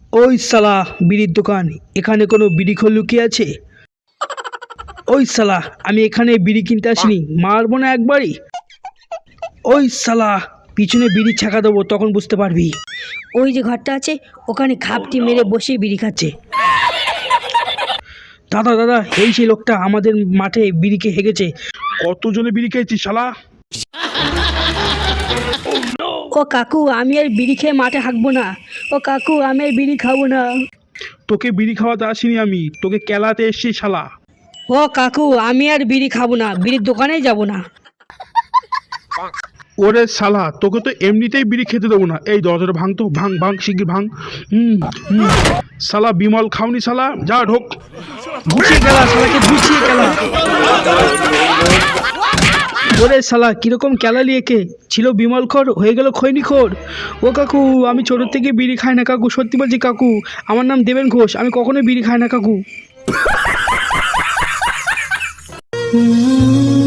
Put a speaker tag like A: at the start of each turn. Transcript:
A: ওই শালা বিড়ির দোকান, এখানে কোনো বিড়ি খোল লুকিয়ে আছে? ওই শালা, আমি এখানে বিড়ি কিনতে আসিনি, মারবো না একবারই। ওই শালা, পিছনে বিড়ি ছাকা দেবো, তখন বুঝতে পারবি।
B: ওই যে ঘরটা আছে, ওখানে খাপটি মেরে বসে বিড়ি খাচ্ছে।
A: দাদা দাদা, এই সেই লোকটা আমাদের মাঠে বিড়ি খেয়ে হেগেছে।
C: কতজনে বিড়ি খেয়েছিস শালা?
B: ও কাকু, আমি আর বিড়ি খেয়ে মাঠে হাঁকবো না। ও কাকু, আমি আর বিড়ি খাবো না।
C: তোকে বিড়ি খাওয়াতে আসিনি আমি, তোকে কেলাতে এসছি শালা।
B: ও কাকু, আমি আর বিড়ি খাবো না, বিড়ির দোকানেই যাবো না।
C: ওরে শালা, তোকে তো এমনিতেই বিড়ি খেতে দেবো না। এই দরজাটা ভাঙ তো, ভাঙ ভাঙ শিগগির ভাঙ। শালা বিমল খাওনি শালা, যা ঢোক।
A: গুছিয়ে গেলা শালাকে, গুছিয়ে গেলা। ওরে শালা, কিরকম ক্যালালি একে, ছিল বিমল খোর, হয়ে গেল খৈনি খোর। ও কাকু, আমি ছোটোর থেকে বিড়ি খাই না কাকু, সত্যি বলছি কাকু। আমার নাম দেবেন ঘোষ, আমি কখনোই বিড়ি খাই না কাকু।